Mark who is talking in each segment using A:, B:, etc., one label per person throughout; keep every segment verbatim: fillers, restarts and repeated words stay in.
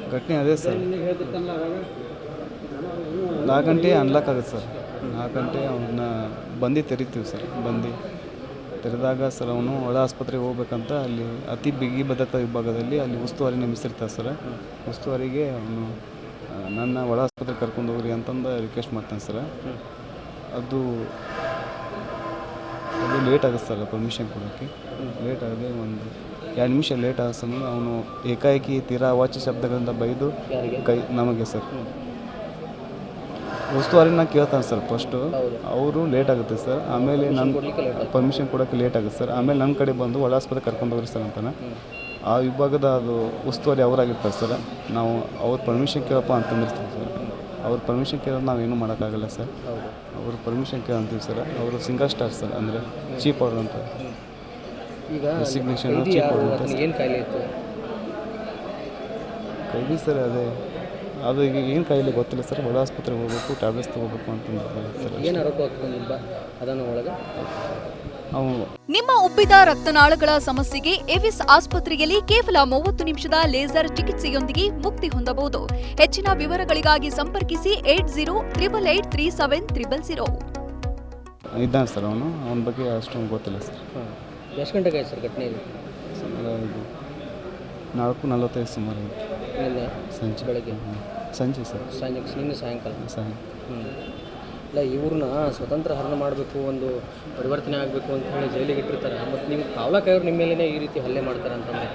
A: ಘಟನೆ ಅದೇ ಸರ್, ನಾಲ್ಕು ಗಂಟೆ ಅನ್ಲಾಕ್ ಆಗುತ್ತೆ ಸರ್. ನಾಲ್ಕು ಗಂಟೆ ಅವನ್ನ ಬಂದು ತೆರಿತೀವಿ ಸರ್. ಬಂದು ತೆರೆದಾಗ ಸರ್ ಅವನು ಒಳ ಆಸ್ಪತ್ರೆಗೆ ಹೋಗ್ಬೇಕಂತ ಅಲ್ಲಿ ಅತಿ ಬಿಗಿ ಭದ್ರತಾ ವಿಭಾಗದಲ್ಲಿ ಅಲ್ಲಿ ಉಸ್ತುವಾರಿ ನೇಮಿಸಿರ್ತಾರೆ ಸರ್. ಉಸ್ತುವಾರಿಗೆ ಅವನು ನನ್ನ ಒಳ ಆಸ್ಪತ್ರೆಗೆ ಕರ್ಕೊಂಡು ಹೋಗ್ರಿ ಅಂತಂದು ರಿಕ್ವೆಸ್ಟ್ ಮಾಡ್ತಾನೆ ಸರ್. ಅದು ಅದು ಲೇಟ್ ಆಗುತ್ತೆ ಸರ್ ಪರ್ಮಿಷನ್ ಕೊಡೋಕ್ಕೆ. ಲೇಟ್ ಆಗದೆ ಒಂದು ಎರಡು ನಿಮಿಷ ಲೇಟ್ ಆದ ಸಮಯ ಅವನು ಏಕಾಏಕಿ ತೀರಾ ಅವಾಚ್ಯ ಶಬ್ದಗಳಿಂದ ಬೈದು ಕೈ ನಮಗೆ ಸರ್ ಉಸ್ತುವಾರಿನ ಕೇಳ್ತಾನೆ ಸರ್. ಫಸ್ಟು ಅವರು ಲೇಟ್ ಆಗುತ್ತೆ ಸರ್. ಆಮೇಲೆ ನನ್ನ ಪರ್ಮಿಷನ್ ಕೊಡೋಕ್ಕೆ ಲೇಟ್ ಆಗುತ್ತೆ ಸರ್. ಆಮೇಲೆ ನನ್ನ ಕಡೆ ಬಂದು ಒಳ ಆಸ್ಪತ್ರೆ ಕರ್ಕೊಂಡು ಹೋಗ್ರಿ ಸರ್ ಅಂತಾನೆ. ಆ ವಿಭಾಗದ ಅದು ಉಸ್ತುವಾರಿ ಅವರಾಗಿರ್ತಾರೆ ಸರ್. ನಾವು ಅವ್ರ ಪರ್ಮಿಷನ್ ಕೇಳಪ್ಪ ಅಂತಂದಿರ್ತೀವಿ ಸರ್. ಅವ್ರ ಪರ್ಮಿಷನ್ ಕೇಳೋದು ನಾವೇನು ಮಾಡೋಕ್ಕಾಗಲ್ಲ ಸರ್. ಅವರು ಪರ್ಮಿಷನ್ ಕೇಳಂತೀವಿ ಸರ್. ಅವರು ಸಿಂಗಲ್ ಸ್ಟಾರ್ ಸರ್, ಅಂದರೆ ಚೀಪ್ ಆರ್ಡರ್ ಅಂತ.
B: ಈಗ
A: ರೆಸಿಗ್ನೇಷನ್ ಚೀಪ್ ಆರ್ಡರ್ ಅಂತ.
B: ಏನು ಕಾಯಿಲೆ ಇತ್ತು
A: ಕೈಲಿ ಸರ್? ಅದೇ ಅದು ಈಗ ಏನು ಕಾಯಿಲೆ ಗೊತ್ತಿಲ್ಲ ಸರ್. ಒಳ ಆಸ್ಪತ್ರೆಗೆ ಹೋಗ್ಬೇಕು, ಟ್ಯಾಬ್ಲೆಟ್ಸ್ ತೊಗೋಬೇಕು ಅಂತಂದಿರ್ತಾರೆ ಸರ್.
B: ಏನು ಆರೋಪ ಆಗ್ತದೆ ಅದನ್ನು ಒಳಗೆ
A: ಅವು
C: ನಿಮ್ಮ ಉಬ್ಬಿದ ರಕ್ತನಾಳಗಳ ಸಮಸ್ಯೆಗೆ ಎವಿಸ್ ಆಸ್ಪತ್ರೆಯಲ್ಲಿ ಕೇವಲ ಮೂವತ್ತು ನಿಮಿಷದ ಲೇಸರ್ ಚಿಕಿತ್ಸೆಯೊಂದಿಗೆ ಮುಕ್ತಿ ಹೊಂದಬಹುದು. ಹೆಚ್ಚಿನ ವಿವರಗಳಿಗಾಗಿ ಸಂಪರ್ಕಿಸಿ eight zero triple eight three seven triple zero.
A: ಇದ್ದಾನೆ ಸರ್ ಅವನು. ಅವನ ಬಗ್ಗೆ ಅಷ್ಟೊಂದು ಗೊತ್ತಿಲ್ಲ ಸರ್.
B: ಹಾಂ, ಎಷ್ಟು ಗಂಟೆಗೆ ಆಯ್ತು ಸರ್ ಘಟನೆ ಇದು?
A: ಇದು ನಾಲ್ಕು ನಲ್ವತ್ತೈದು ಸುಮಾರು
B: ನಿನ್ನೆ
A: ಸಂಜೆ
B: ಬೆಳಗ್ಗೆ
A: ಸಂಜೆ ಸರ್.
B: ಸಂಜೆ ನಿನ್ನೆ ಸಾಯಂಕಾಲ.
A: ಸಾಯ
B: ಹ್ಞೂ ಇಲ್ಲ, ಇವ್ರನ್ನ ಸ್ವತಂತ್ರ ಹರಣ ಮಾಡಬೇಕು, ಒಂದು ಪರಿವರ್ತನೆ ಆಗಬೇಕು ಅಂತ ಹೇಳಿ ಜೈಲಿಗೆ ಇಟ್ಟಿರ್ತಾರೆ. ಮತ್ತು ನೀವು ಕಾವಲಾಕಾಯವ್ರು ನಿಮ್ಮ ಮೇಲೇ ಈ ರೀತಿ ಹಲ್ಲೆ ಮಾಡ್ತಾರೆ ಅಂತಂದರೆ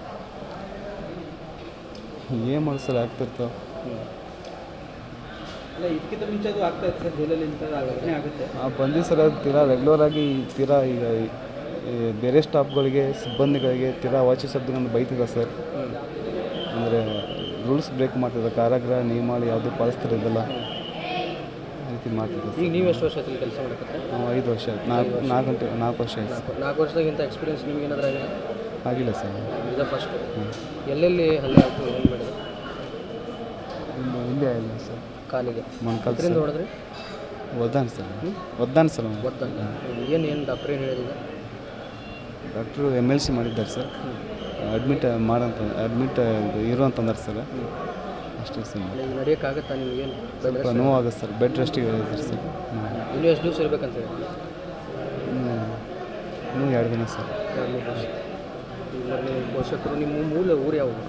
A: ಏನು ಮಾಡಿ ಸರ್ ಆಗ್ತಿರ್ತಾವೆ.
B: ಹ್ಞೂ
D: ಅಲ್ಲ, ಇದಕ್ಕಿಂತ ಮುಂಚೆ ಅದು ಆಗ್ತಾ ಇತ್ತು ಸರ್ ಜೈಲಲ್ಲಿ ಇಂಥದ್ದು ಘಟನೆ ಆಗುತ್ತೆ.
A: ಆ ಬಂದು ಸರ್ ಅದು ತೀರಾ ರೆಗ್ಯುಲರ್ ಆಗಿ ತೀರಾ ಈಗ ಬೇರೆ ಸ್ಟಾಫ್ಗಳಿಗೆ ಸಿಬ್ಬಂದಿಗಳಿಗೆ ತೀರಾ ಅವಾಚ್ಯ ಶಬ್ದಗಳನ್ನು ಬೈತಿದ್ದಾರೆ ಸರ್. ಅಂದರೆ ರೂಲ್ಸ್ ಬ್ರೇಕ್ ಮಾಡ್ತಿದ್ದಾರೆ. ಕಾರಾಗೃಹ ನಿಯಮಾವಳಿ ಯಾವುದು ಪಾಲಿಸ್ತಿರೋದಿಲ್ಲ ಆ ರೀತಿ ಮಾಡ್ತಿದ್ದಾರೆ.
B: ಈಗ ನೀವು ಎಷ್ಟು ವರ್ಷ ಆಯ್ತು ಕೆಲಸ ಮಾಡಕ್ಕೆ?
A: ನಾವು ಐದು ವರ್ಷ ಆಯ್ತು. ನಾಲ್ಕು ನಾಲ್ಕು ಗಂಟೆ ನಾಲ್ಕು ವರ್ಷ ಆಯ್ತು ಸರ್.
B: ನಾಲ್ಕು ವರ್ಷದಾಗಿಂತ ಎಕ್ಸ್ಪೀರಿಯನ್ಸ್ ನಿಮ್ಗೆ ಏನಾದರೂ ಆಗಿಲ್ಲ?
A: ಆಗಿಲ್ಲ ಸರ್.
B: ಇದು ಫಸ್ಟ್. ಎಲ್ಲೆಲ್ಲಿ ಹಲ್ಲೆ ಆಗ್ತದೆ, ಏನು ಮಾಡಿದೆ?
A: ಇಲ್ಲಿ ಇಲ್ಲೇ ಆಗಿಲ್ಲ ಸರ್.
B: ಕಾಲಿಗೆ
A: ಮೊಣಕಾಲು
B: ಇದರಿಂದ ಹೊಡೆದ್ರಿ?
A: ಒದ್ದಾನೆ ಸರ್. ಒದ್ದಾನೆ ಸರ್ ಅವನು.
B: ಗೊತ್ತಾಗ ಏನು ಏನು ಡಾಕ್ಟ್ರ್ ಏನು ಹೇಳಿದ?
A: ಡಾಕ್ಟ್ರು ಎಮ್ ಎಲ್ ಸಿ ಮಾಡಿದ್ದಾರೆ ಸರ್. ಅಡ್ಮಿಟ್ ಮಾಡಂತ ಅಡ್ಮಿಟ್ ಇರು ಅಂತಂದಾರೆ ಸರ್. ಅಷ್ಟೇ ಸರ್.
B: ಈಗ ನಡೆಯೋಕ್ಕಾಗತ್ತಾ ನಿಮಗೇನು?
A: ಸ್ವಲ್ಪ ನೋವಾಗುತ್ತೆ ಸರ್. ಬೆಡ್ ರೆಸ್ಟಿಗೆ ಹೇಳಿದ್ದಾರೆ ಸರ್.
B: ಇನ್ನೂ ಎಷ್ಟು ದಿವಸ ಇರ್ಬೇಕಂತ ಹೇಳಿ?
A: ಇನ್ನೂ ಇನ್ನೂ ಎರಡು ದಿನ ಸರ್.
B: ಎರಡು ಮೂರು ವರ್ಷ. ಈಗ ನಿಮ್ಮ ಪೋಷಕರು, ನಿಮ್ಮ ಮೂಲ ಊರು ಯಾವುದು?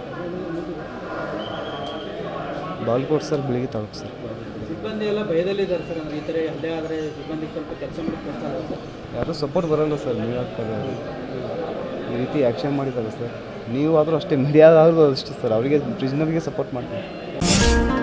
A: ಬಾಲ್ಕೋಟ್ ಸರ್, ಬೆಳಿಗ್ಗೆ ತಾಲೂಕು ಸರ್.
D: ಸಿಬ್ಬಂದಿ ಎಲ್ಲ ಭಯದಲ್ಲಿದ್ದಾರೆ ಸರ್. ಅಂದ್ರೆ ಈ ಥರ ಹಲ್ಲೆ ಆದರೆ ಸಿಬ್ಬಂದಿ ಸ್ವಲ್ಪ ಕೆಲಸ ಮಾಡಕ್ಕೆ ಕಷ್ಟ ಆಗುತ್ತೆ ಸರ್.
A: ಯಾರೂ ಸಪೋರ್ಟ್ ಬರೋಲ್ಲ ಸರ್. ನೀವು ಆಗ್ತಾರೆ ಈ ರೀತಿ ಆ್ಯಕ್ಷನ್ ಮಾಡಿದ್ದಾರೆ ಸರ್. ನೀವು ಆದರೂ ಅಷ್ಟೇ, ಮೀಡಿಯಾದಾದ್ರೂ ಅಷ್ಟೇ ಸರ್. ಅವರಿಗೆ ಪ್ರಿಸನರ್ಗೆ ಸಪೋರ್ಟ್ ಮಾಡ್ತೀವಿ.